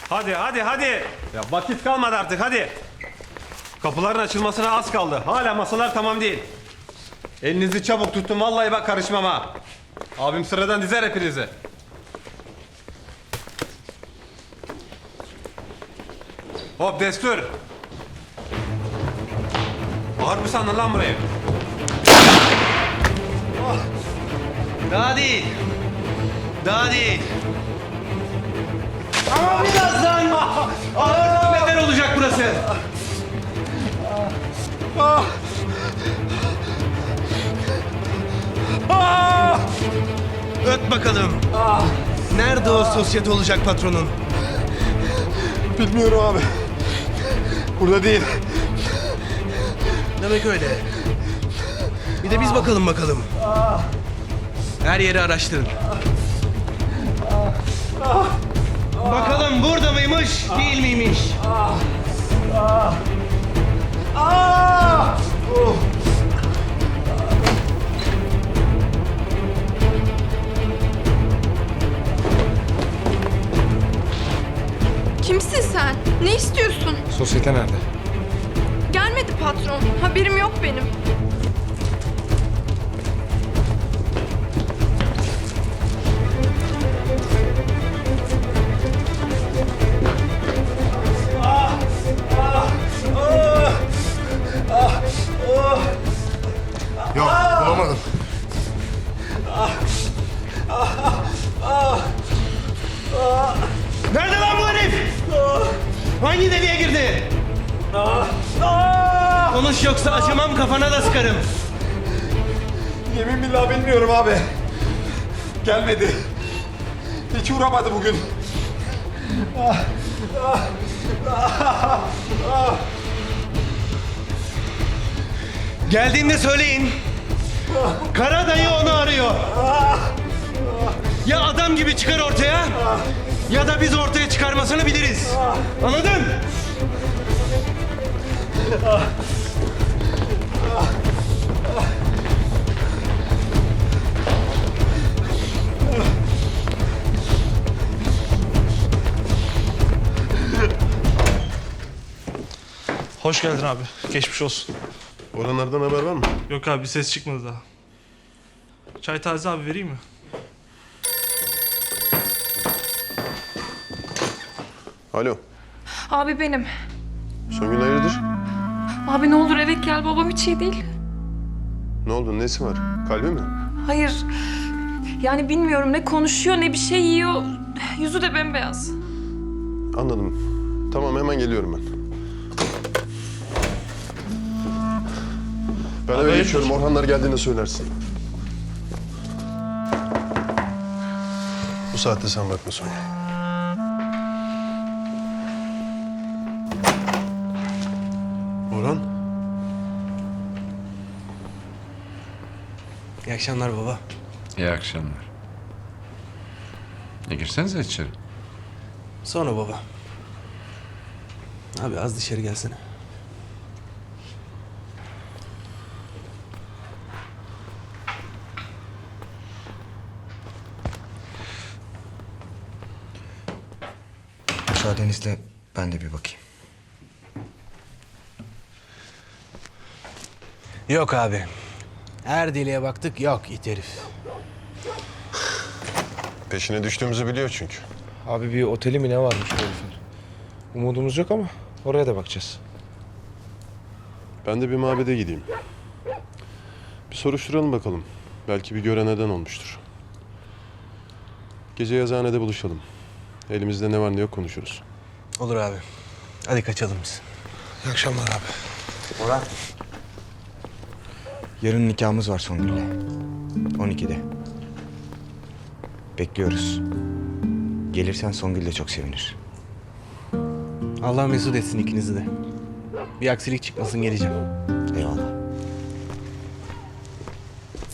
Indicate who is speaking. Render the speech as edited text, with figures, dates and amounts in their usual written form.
Speaker 1: Hadi hadi hadi. Ya vakit kalmadı artık hadi. Kapıların açılmasına az kaldı. Hala masalar tamam değil. Elinizi çabuk tutun vallahi bak karışmam ha. Abim sıradan dizer hepinizi. Hop destur. Ağır mı sandın lan burayı?
Speaker 2: Daha değil. Daha değil. Ama birazdan ağır beter olacak burası. Öt bakalım. Nerede o sosyete olacak patronun?
Speaker 3: Bilmiyorum abi. Burada değil.
Speaker 2: Demek öyle. Bir de biz bakalım. Her yeri araştırın. Bakalım burada mıymış, değil miymiş?
Speaker 4: Kimsin sen? Ne istiyorsun?
Speaker 3: Sosyete nerede?
Speaker 4: Gelmedi patron. Haberim yok benim.
Speaker 3: Yok, bulamadım.
Speaker 2: Nerede lan bu herif? Hangi deliğe girdi? Konuş yoksa acımam, kafana da sıkarım.
Speaker 3: Yemin billah bilmiyorum abi. Gelmedi. Hiç uğramadı bugün.
Speaker 2: Geldiğinde söyleyin. Kara dayı onu arıyor. Ya adam gibi çıkar ortaya, ya da biz ortaya çıkarmasını biliriz. Anladın?
Speaker 5: Hoş geldin abi. Geçmiş olsun.
Speaker 3: Oralardan haber var mı?
Speaker 5: Yok abi bir ses çıkmadı daha. Çay taze abi vereyim mi?
Speaker 3: Alo.
Speaker 4: Abi benim.
Speaker 3: Songül hayırdır?
Speaker 4: Abi ne olur eve gel. Babam hiç iyi değil.
Speaker 3: Ne oldu? Nesi var? Kalbi mi?
Speaker 4: Hayır. Yani bilmiyorum ne konuşuyor ne bir şey yiyor. Yüzü de bembeyaz.
Speaker 3: Anladım. Tamam hemen geliyorum ben. Ben eve
Speaker 5: hayırdır?
Speaker 3: geçiyorum. Orhanlar geldiğinde söylersin. Bu saatte sen bakma Songül. Orhan.
Speaker 2: İyi akşamlar baba.
Speaker 6: İyi akşamlar. Girsenize içeri.
Speaker 2: Sonra baba. Abi az dışarı gelsene.
Speaker 7: Müsaadenizle ben de bir bakayım.
Speaker 2: Yok abi. Her deliğe baktık, yok it herif.
Speaker 3: Peşine düştüğümüzü biliyor çünkü.
Speaker 8: Abi bir oteli mi ne varmış bu herifin? Umudumuz yok ama oraya da bakacağız.
Speaker 3: Ben de bir mabede gideyim. Bir soruşturalım bakalım. Belki bir gören neden olmuştur. Gece yazıhanede buluşalım. Elimizde ne var ne yok konuşuruz.
Speaker 2: Olur abi. Hadi kaçalım biz.
Speaker 8: İyi akşamlar abi.
Speaker 7: Orhan. Yarın nikahımız var Songül'le. 12'de. Bekliyoruz. Gelirsen Songül de çok sevinir.
Speaker 2: Allah mesut etsin ikinizi de. Bir aksilik çıkmasın geleceğim.
Speaker 7: Eyvallah.